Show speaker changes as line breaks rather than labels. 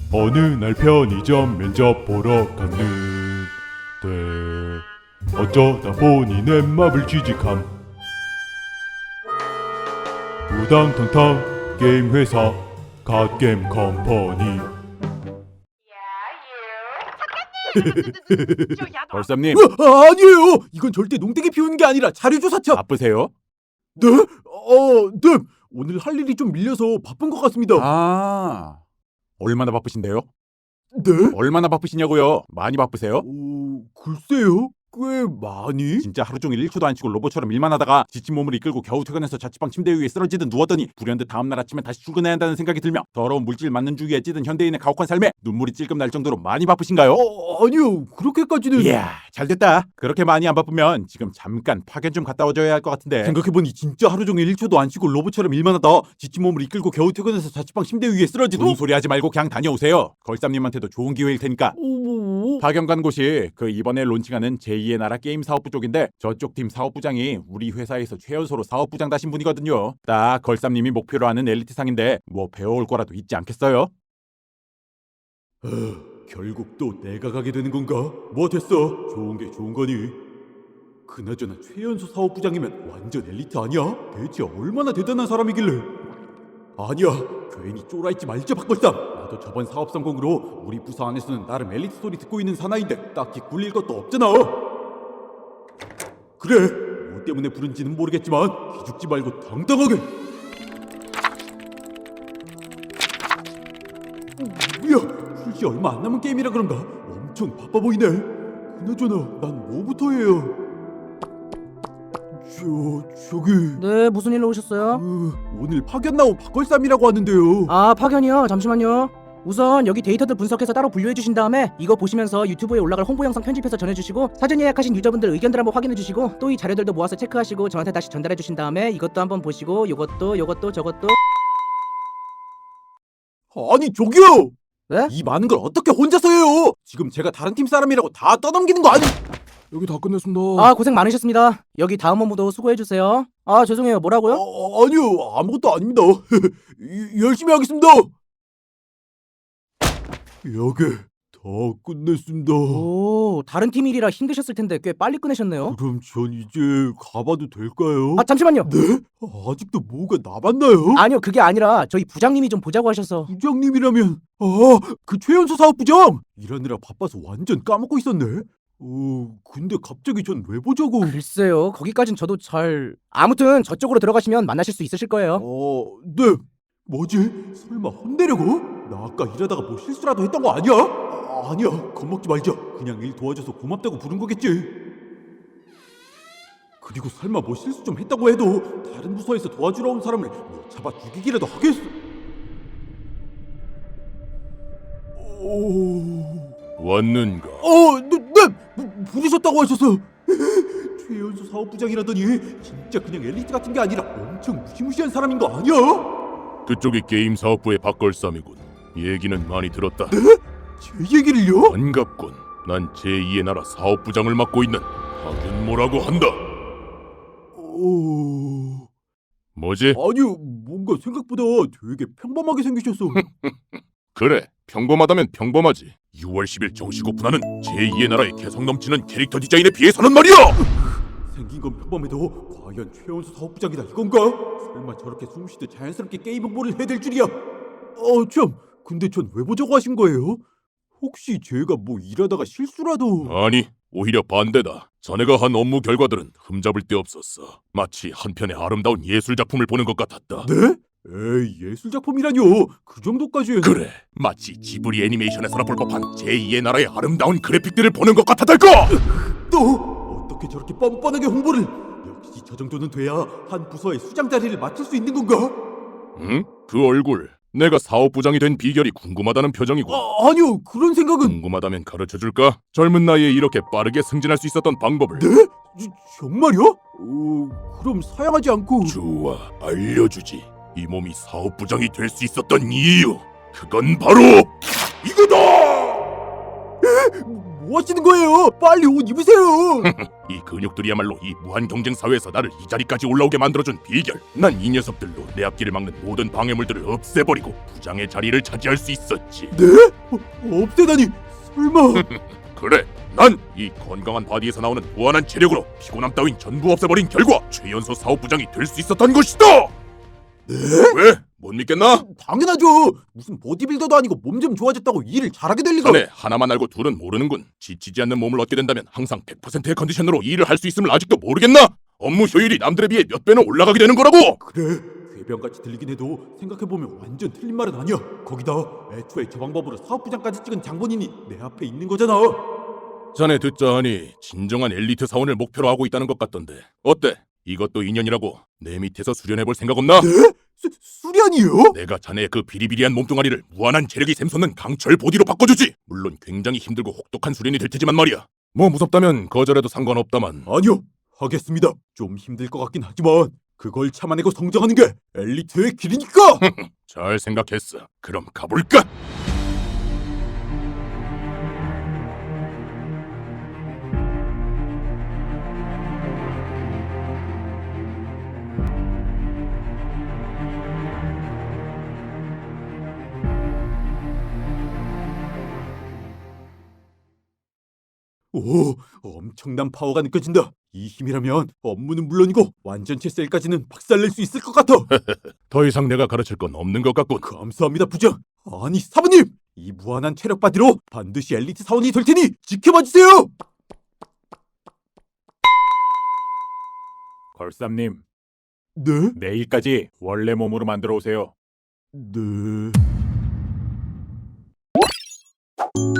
어느 날 편의점 면접 보러 갔는데 어쩌다 보니 넷마블 취직함. 우당탕탕 게임 회사 갓게임 컴퍼니.
벌쌈님,
아니에요. 이건 절대 농땡이 피우는 게 아니라 자료조사차.
바쁘세요?
네? 네. 오늘 할 일이 좀 밀려서 바쁜 것 같습니다.
얼마나 바쁘신데요?
네?
얼마나 바쁘시냐고요? 많이 바쁘세요?
글쎄요. 꽤 많이?
진짜 하루 종일 1초도 안 쉬고 로봇처럼 일만 하다가 지친 몸을 이끌고 겨우 퇴근해서 자취방 침대 위에 쓰러지듯 누웠더니 불현듯 다음날 아침에 다시 출근해야 한다는 생각이 들며 더러운 물질 맞는 주기에 찌든 현대인의 가혹한 삶에 눈물이 찔끔 날 정도로 많이 바쁘신가요?
아니요. 그렇게까지는.
이야, 잘됐다. 그렇게 많이 안 바쁘면 지금 잠깐 파견 좀 갔다 와줘야 할 것 같은데.
생각해보니 진짜 하루 종일 1초도 안 쉬고 로봇처럼 일만 하다 지친 몸을 이끌고 겨우 퇴근해서 자취방 침대 위에 쓰러지듯.
무슨 소리 하지 말고 그냥 다녀오세요. 걸쌈님한테도 좋은 기회일 테니까. 파견 간 곳이 그 이번에 론칭하는 제2의 나라 게임 사업부 쪽인데 저쪽 팀 사업부장이 우리 회사에서 최연소로 사업부장 다신 분이거든요. 딱 걸쌈님이 목표로 하는 엘리트상인데 뭐 배워올 거라도 있지 않겠어요?
결국 또 내가 가게 되는 건가? 뭐 됐어. 좋은 게 좋은 거니. 그나저나 최연소 사업부장이면 완전 엘리트 아니야? 대체 얼마나 대단한 사람이길래. 아니야. 괜히 쫄아있지 말자 박걸쌈. 나도 저번 사업 성공으로 우리 부서 안에서는 나름 엘리트 소리 듣고 있는 사나이인데 딱히 굴릴 것도 없잖아. 그래. 뭐 때문에 부른지는 모르겠지만 기죽지 말고 당당하게. 뭐야, 출시 얼마 안 남은 게임이라 그런가 엄청 바빠 보이네. 그나저나 난 뭐부터 해요? 저기
네, 무슨 일로 오셨어요?
오늘 파견 나온 박걸쌈이라고 하는데요.
아, 파견이요? 잠시만요. 우선 여기 데이터들 분석해서 따로 분류해 주신 다음에 이거 보시면서 유튜브에 올라갈 홍보 영상 편집해서 전해주시고 사전 예약하신 유저분들 의견들 한번 확인해 주시고 또 이 자료들도 모아서 체크하시고 저한테 다시 전달해 주신 다음에 이것도 한번 보시고 요것도 저것도.
아니 저기요.
네?
이 많은 걸 어떻게 혼자서 해요? 지금 제가 다른 팀 사람이라고 다 떠넘기는 거 아니? 여기 다 끝냈습니다.
아, 고생 많으셨습니다. 여기 다음 업무도 수고해 주세요. 아, 죄송해요. 뭐라고요?
아니요, 아무것도 아닙니다. 열심히 하겠습니다. 여기 다 끝냈습니다.
오, 다른 팀 일이라 힘드셨을 텐데 꽤 빨리 끝내셨네요.
그럼 전 이제 가봐도 될까요?
아, 잠시만요.
네? 아직도 뭐가 남았나요?
아니요, 그게 아니라 저희 부장님이 좀 보자고 하셔서.
부장님이라면 그 최연소 사업부장! 일하느라 바빠서 완전 까먹고 있었네. 근데 갑자기 전 왜 보자고?
글쎄요, 거기까진 저도 잘. 아무튼 저쪽으로 들어가시면 만나실 수 있으실 거예요.
네. 뭐지? 설마 혼내려고? 나 아까 일하다가 뭐 실수라도 했던 거 아니야? 아니야, 겁먹지 말자. 그냥 일 도와줘서 고맙다고 부른 거겠지. 그리고 설마 뭐 실수 좀 했다고 해도 다른 부서에서 도와주러 온 사람을 뭐 잡아 죽이기라도 하겠어?
왔는가?
네, 부르셨다고 하셔서. 최연소 사업부장이라더니 진짜 그냥 엘리트 같은 게 아니라 엄청 무시무시한 사람인 거 아니야?
그쪽이 게임 사업부의 박걸쌈이군. 얘기는 많이 들었다.
제 얘기를요?
반갑군. 난 제2의 나라 사업부장을 맡고 있는 박윤모라고 한다. 뭐지?
아니요, 뭔가 생각보다 되게 평범하게 생기셔서.
그래, 평범하다면 평범하지. 6월 10일 정식 오픈하는 제2의 나라의 개성 넘치는 캐릭터 디자인에 비해서는 말이야!
생긴 건 평범해도 과연 최연소 사업부장이다 이건가? 설마 저렇게 숨쉬듯 자연스럽게 게임 홍보를 해야 될 줄이야? 참, 근데 전 왜 보자고 하신 거예요? 혹시 제가 뭐 일하다가 실수라도...
아니, 오히려 반대다. 자네가 한 업무 결과들은 흠잡을 데 없었어. 마치 한 편의 아름다운 예술 작품을 보는 것 같았다.
네? 에이, 예술 작품이라뇨. 그 정도까지는...
그래, 마치 지브리 애니메이션에서나 볼 법한 제2의 나라의 아름다운 그래픽들을 보는 것 같았달까!
또 어떻게 저렇게 뻔뻔하게 홍보를... 역시 저 정도는 돼야 한 부서의 수장 자리를 맡을 수 있는 건가?
응? 그 얼굴, 내가 사업부장이 된 비결이 궁금하다는 표정이고.
아니요, 그런 생각은...
궁금하다면 가르쳐줄까? 젊은 나이에 이렇게 빠르게 승진할 수 있었던 방법을.
네? 정말요? 그럼 사양하지 않고...
좋아, 알려주지. 이 몸이 사업부장이 될 수 있었던 이유, 그건 바로 이거다!
뭐 하시는 거예요? 빨리 옷 입으세요.
이 근육들이야말로 이 무한 경쟁 사회에서 나를 이 자리까지 올라오게 만들어준 비결. 난 이 녀석들로 내 앞길을 막는 모든 방해물들을 없애버리고 부장의 자리를 차지할 수 있었지.
없애다니 설마.
그래, 난 이 건강한 바디에서 나오는 무한한 체력으로 피곤함 따윈 전부 없애버린 결과 최연소 사업부장이 될 수 있었던 것이다. 네? 왜? 못 믿겠나?
당연하죠. 무슨 보디빌더도 아니고 몸 좀 좋아졌다고 일을 잘하게 될 리가.
자네 하나만 알고 둘은 모르는군. 지치지 않는 몸을 얻게 된다면 항상 100%의 컨디션으로 일을 할 수 있음을 아직도 모르겠나? 업무 효율이 남들에 비해 몇 배는 올라가게 되는 거라고.
그래, 궤변같이 들리긴 해도 생각해보면 완전 틀린 말은 아니야. 거기다 애초에 저 방법으로 사업부장까지 찍은 장본인이 내 앞에 있는 거잖아.
자네 듣자 하니 진정한 엘리트 사원을 목표로 하고 있다는 것 같던데 어때? 이것도 인연이라고 내 밑에서 수련해볼 생각 없나?
수련이요?
내가 자네의 그 비리비리한 몸뚱아리를 무한한 체력이 샘솟는 강철 보디로 바꿔주지. 물론 굉장히 힘들고 혹독한 수련이 될 테지만 말이야. 뭐 무섭다면 거절해도 상관없다만.
아니요, 하겠습니다. 좀 힘들 것 같긴 하지만 그걸 참아내고 성장하는 게 엘리트의 길이니까.
잘 생각했어. 그럼 가볼까?
오, 엄청난 파워가 느껴진다. 이 힘이라면 업무는 물론이고 완전체 셀까지는 박살낼 수 있을 것 같아.
더 이상 내가 가르칠 건 없는 것 같군.
감사합니다, 부장. 아니, 사부님! 이 무한한 체력 바디로 반드시 엘리트 사원이 될 테니 지켜봐 주세요.
걸쌈님,
네?
내일까지 원래 몸으로 만들어 오세요.
네.